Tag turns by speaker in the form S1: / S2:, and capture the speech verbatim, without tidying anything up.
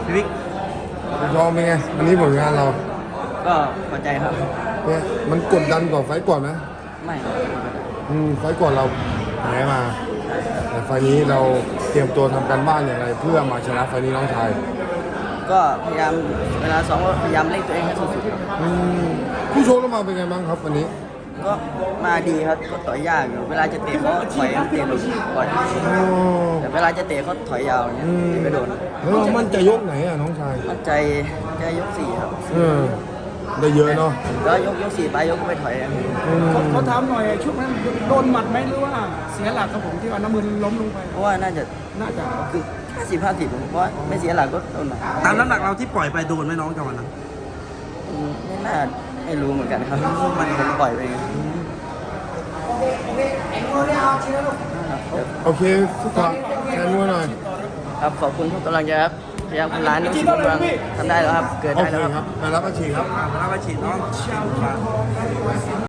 S1: พี่วิก
S2: ยอมเป็นไงวันนี้ผลงานเรา
S3: ก็พอใจครับ
S2: เนี่ยมันกดดันกว่าไฟต์ก่อนไหม
S3: ไม่
S2: อืมไฟต์ก่อนเราแพ้มา แต่ไฟล์นี้เราเตรียมตัวทำการบ้านอย่างไรเพื่อมาชนะไฟล์นี้น้องชาย
S3: ก็พยายามเวลาซ้อมก็พยายามเล่นตัวเองให้สุด
S2: อืมผู้ชกเรามาเป็นไงบ้างครับวันนี้
S3: ๆก็มาดีครับก็ต่อยยากอยู่เวลาจะเตะเขาถอยเตะหลุดก่อน
S2: อ๋อ
S3: แต่เวลาจะเตะเขาถอยยาวอย่างเงี้ย
S2: อืม
S3: เตะไม่โดน
S2: แล้วเรามั่นใจยกไหนอ่ะน้องชาย
S3: มั่นใจใจยกสี่ครับ
S2: เออได้เยอะเนาะ
S3: แล้วยกยกสี่ไปยกไม่ถอยอะ
S2: อืม
S4: เขาถามหน่อยช่วงนั้นโดนหมัดไหมหรือว่าเสียหลักครับผมที่ว่าน้ำมือล้มลงไป
S3: เพราะว่าน่าจะ
S4: น่าจะ
S3: คือห้าสิบห้าสิบเพราะว่าไม่เสียหลักก็โดนหนัก
S1: ตามน้ำหนักเราที่ปล่อยไปโดนไหมน้องจังหวะนั้น
S3: อืมไม่น่าไม่รู้เหมือนกันครับมันผมปล่อยไปเอง
S2: โอเคฝากแทนมัวหน่อย
S3: ครับขอบคุณทุกกำลังใจครับพยายามทำร้านนี้ทุกกำลังทำได้แล้วครับ เกิด
S2: โอ
S3: ได้
S2: เค
S3: แล้วครับ
S2: ครับไปรับอาชีพครับ
S1: อ่ามารับอาชีพน้อง